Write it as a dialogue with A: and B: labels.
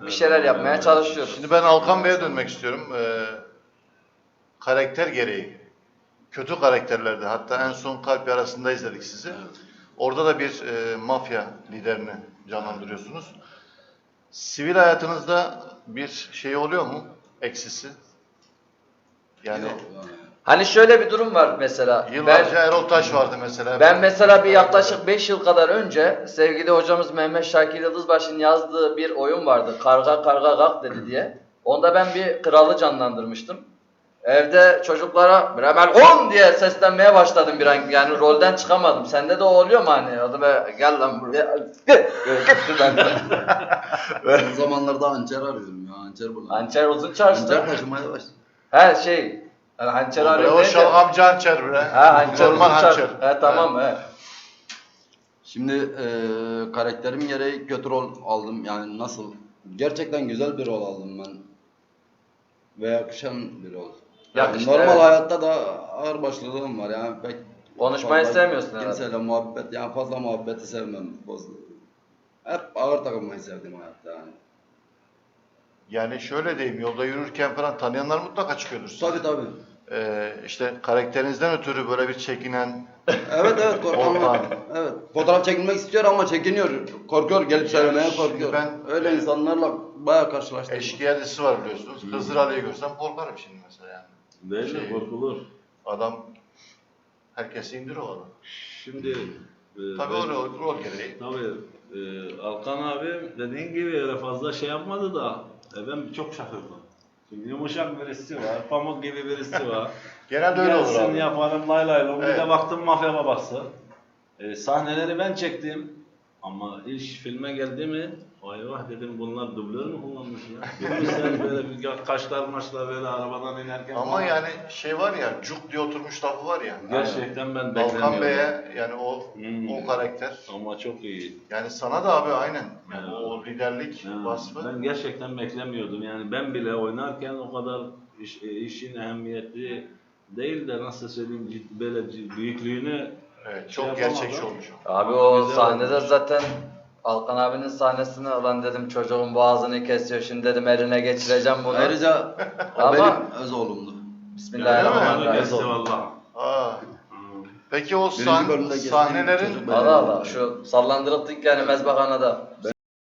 A: bir şeyler yapmaya çalışıyoruz.
B: Şimdi ben Alkan Bey'e dönmek istiyorum. Karakter gereği. Kötü karakterlerde, hatta en son Kalp Yarası'nda izledik sizi. Orada da bir mafya liderini canlandırıyorsunuz. Sivil hayatınızda bir şey oluyor mu? Eksisi? Yani
A: Hani şöyle bir durum var mesela.
B: yıllarca Erol Taş vardı mesela.
A: Ben mesela bir yaklaşık 5 yıl kadar önce sevgili hocamız Mehmet Şakir Yıldızbaşı'nın yazdığı bir oyun vardı. Karga karga kalk dedi diye. Onda ben bir kralı canlandırmıştım. Evde çocuklara Bremel 10 diye seslenmeye başladım bir an. Yani rolden çıkamadım. Sende de o oluyor mu hani? Adı be gel lan buraya. Git şuradan.
C: Son zamanlarda hançer arıyorum ya. Hançer bulalım.
A: Hançer uzun çarşıda.
C: Hançer taşımaya başladım.
A: He şey. Yani hançer arıyorum
B: O
A: deyince.
B: şalgamcı hançer bre.
A: Ha hançer uzun
B: Normal hançer.
A: çarşı. He tamam he.
C: Şimdi karakterim gereği kötü rol aldım. Yani nasıl? Gerçekten güzel bir rol aldım ben. Ve yakışan bir rol.
A: Yakıştı,
C: Normal
A: evet.
C: hayatta da ağır başlılığım var yani pek
A: Konuşmayı
C: fazla
A: sevmiyorsun herhalde.
C: kimseyle muhabbet, yani fazla muhabbeti sevmem. Hep ağır takılmayı sevdim hayatta yani.
B: Yani şöyle diyeyim, yolda yürürken falan tanıyanlar mutlaka çıkıyordur size.
C: Tabii.
B: İşte karakterinizden ötürü böyle bir çekinen,
C: Evet korkan var. Evet. Fotoğraf çekilmek istiyor ama çekiniyor. Korkuyor, gelip söylemeye
B: şimdi
C: korkuyor.
B: ben-
C: Öyle insanlarla bayağı karşılaştım.
B: eşkıya dizisi var biliyorsunuz. Hızır Ali'yi görsem korkarım şimdi mesela yani.
D: Değil mi? Korkulur.
B: Adam, herkesi indir o adam.
D: Şimdi
B: Tabii o rol gereği.
D: Tabii Alkan abi dediğin gibi öyle fazla şey yapmadı da ben çok şaşırdım. Şimdi yumuşak birisi var, pamuk gibi birisi var.
B: Genelde öyle olur
D: Gelsin
B: abi.
D: yaparım lay lay lom. Bir
B: Evet.
D: de baktım mafya babası. Sahneleri ben çektim. Ama iş filme geldi mi? Vay vah dedim, bunlar dublör mü kullanmış ya? Görmüşler böyle bir kaşlar maçlar böyle arabadan inerken.
B: Ama
D: falan.
B: yani şey var ya, cuk diye oturmuş lafı var ya.
D: Gerçekten ben beklemiyordum.
B: Alkan Bey'e yani o karakter.
D: Ama çok iyi.
B: Yani sana da abi aynen. Yani
D: Evet.
B: o liderlik
D: Yani
B: vasfı.
D: ben gerçekten beklemiyordum. Yani ben bile oynarken o kadar işin ehemmiyeti değil de nasıl söyleyeyim böyle büyüklüğünü
B: Evet,
D: şey
B: çok
D: yapamadım.
B: gerçekçi olmuş o.
A: Abi o
D: Güzel
A: sahnede
D: olmuş.
A: zaten Alkan abinin sahnesini ulan dedim çocuğun boğazını kesiyor şimdi dedim eline geçireceğim bunu.
C: Ayrıca o
A: Ama-
C: benim öz oğlumdu.
A: Bismillahirrahmanirrahim.
D: Geçti valla.
B: Aa. Peki o
C: Birinci bölümde geçtiğim
B: sahnelerin
C: çocuk
A: Allah Allah şu sallandırıldık yani mezbahanada.